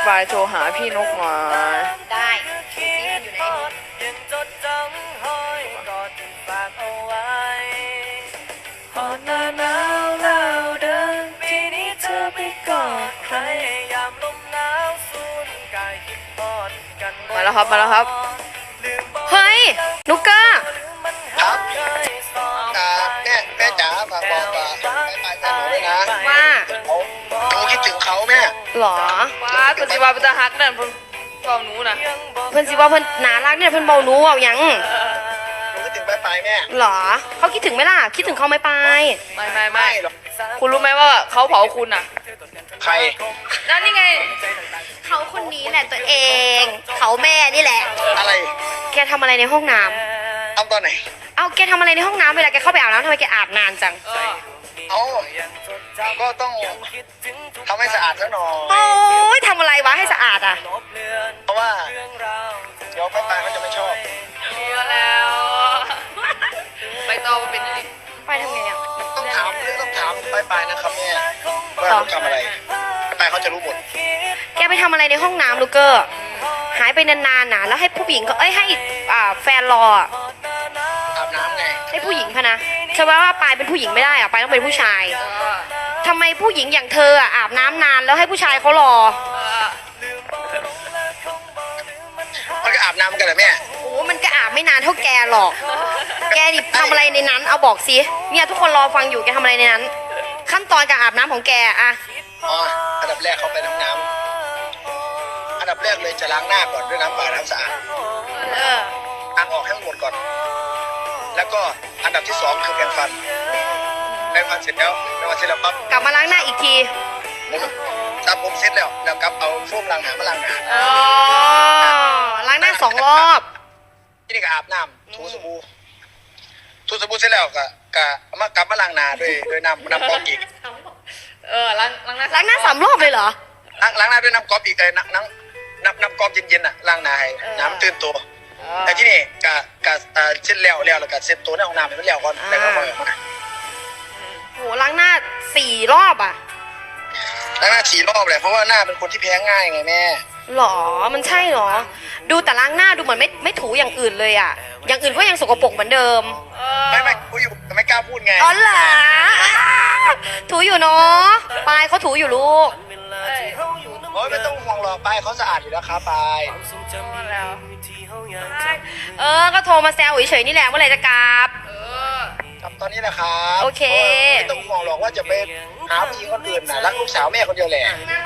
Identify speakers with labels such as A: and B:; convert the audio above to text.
A: ปายโทรหาพี่นกหน่อย
B: ได้ซีอยู่ไหน
C: ยังจดจำห้อยกอดฝากเอาไว้หอดหน้าหนาวแล้วเดินปีนี้เธอไม่กอดใครยามลมหนาวสูญกายคิดทอดกัน
A: มาแล้วครับมาแล้วครับ
B: เฮ้ยนุกเกอร์
D: ครับแม่จ๋าฝากบอกกับไปแม่หนูด้วยนะ
B: ว่า
D: หนูคิดถึงเขาแม่
B: หรอ
A: ว้าปฏิวัติเป็นตาฮักนั่นเพิ่นเฝ้าหนูนะ
B: เพิ่นสิว่าเพิ่นน่ารักเนี่ยเพิ่นเบาหนูเอาหยัง
D: หนูคิดถึงไปแม่
B: หรอเขาคิดถึงไหมล่ะคิดถึงเขาไหมไป
A: ไม่
D: หรอก
A: คุณรู้ไหมว่าเขาเผาคุณอ่ะ
D: ใคร
A: นั่นนี่ไง
B: เขาคนนี้แหละตัวเองเขาแม่นี่แหละ
D: อะไร
B: แกทำอะไรในห้องน้ำ
D: ทำตอนไหน
B: เอาแกทำอะไรในห้องน้ำเวลาแกเข้าไปอาบน้ำทำไมแกอาบนานจัง
D: เอาก็ต้องทำให้สะอาดซะหน่อย
B: โอ้ยทำอะไรวะให้สะอาดอ่ะ
D: เพราะว่าเดี๋ยวไปเขาจะไม่ชอบ
A: เชื่อแล้วไปต่อมาเป็นยังไง
B: ไปทำไงอ่ะ
D: ต้องถามไปนะครับแม่ว่าเขาทำอะไรไปเขาจะรู้หมด
B: แกไปทำอะไรในห้องน้ำลูกเกอร์หายไปนานๆนะแล้วให้ผู้หญิงก็ให้แฟนรออะ
D: อาบน้ำไง
B: ให้ผู้หญิงพะนะใช่ว่าปายเป็นผู้หญิงไม่ได้อ่ะปายต้องเป็นผู้ชายทำไมผู้หญิงอย่างเธออ่ะอาบน้ำนานแล้วให้ผู้ชายเขารอ
D: มันก็อาบน้ำกันแหละแม่
B: โอ้มันก็อาบไม่นานเท่าแกหรอกแกดิทำอะไรในนั้นเอาบอกสิเนี่ยทุกคนรอฟังอยู่แกทำอะไรในนั้น ขั้นตอนการอาบน้ำของแกอะ
D: อ๋ออันดับแรกเขาไปน้ำอันดับแรกเลยจะล้างหน้าก่อนด้วยน้ำเปล่าน้ำสะอาด ล้างออกให้หมดก่อน แล้วก็อันดับที่สองคือแปรงฟันเสร็จแล้วปั๊บ
B: กลับมาล้างหน้าอีกที
D: ผมเสร็จแล้วกลับเอาโฟมล้างหน้ามาล้างหน้า
B: อ๋อล้างหน้า2 รอบ
D: ที่นี่ก็อาบน้ำถูสบู่เสร็จแล้วก็เอามากลับมาล้างหน้าด้วยน้ำก๊อกอีก
A: ล้างหน้า
B: ล้างหน้า3 รอบเลยเหรอ
D: ล้างหน้าด้วยน้ำก๊อกอีกน้ำก๊อกเย็นๆน่ะล้างหน้าให้น้ำตื่นตัวแต่ที่นี่ก็เสร็จแล้วแล้วก็เสร็จตัวในห้องน้ำให้มันแล้วก่อนแล้วก็ค่อยออกมา
B: โหล้างหน้า4 รอบอ่ะ
D: ล้างหน้า4 รอบเลยเพราะว่าหน้าเป็นคนที่แพ้ง่ายไงแม่
B: หรอมันใช่หรอ ดูแต่ล้างหน้าดูเหมือนไม่ถูอย่างอื่นเลยอ่ะอย่างอื่นก็ยังสกปรกเหมือนเดิม
D: ไม่กูอยู่แต่ไม่กล้าพูดไง
B: อ๋อเหรอถูอยู่เนาะปายเขาถูอยู่ลูก
D: โอ้ยไม่ต้องห่วงหรอกไปเขาสะอาดอยู่แล้วครับไป
B: ก็โทรมาแซวเฉยๆนี่แหละเมื่อไหร่จะกลับ
D: ครับตอนนี้นะครับ
B: โอเค
D: ไม่ต้องห่วงหรอกว่าจะไปหาผู้หญิงคนอื่นนะรักลูกสาวแม่คนเดียวแหละ
B: นั่น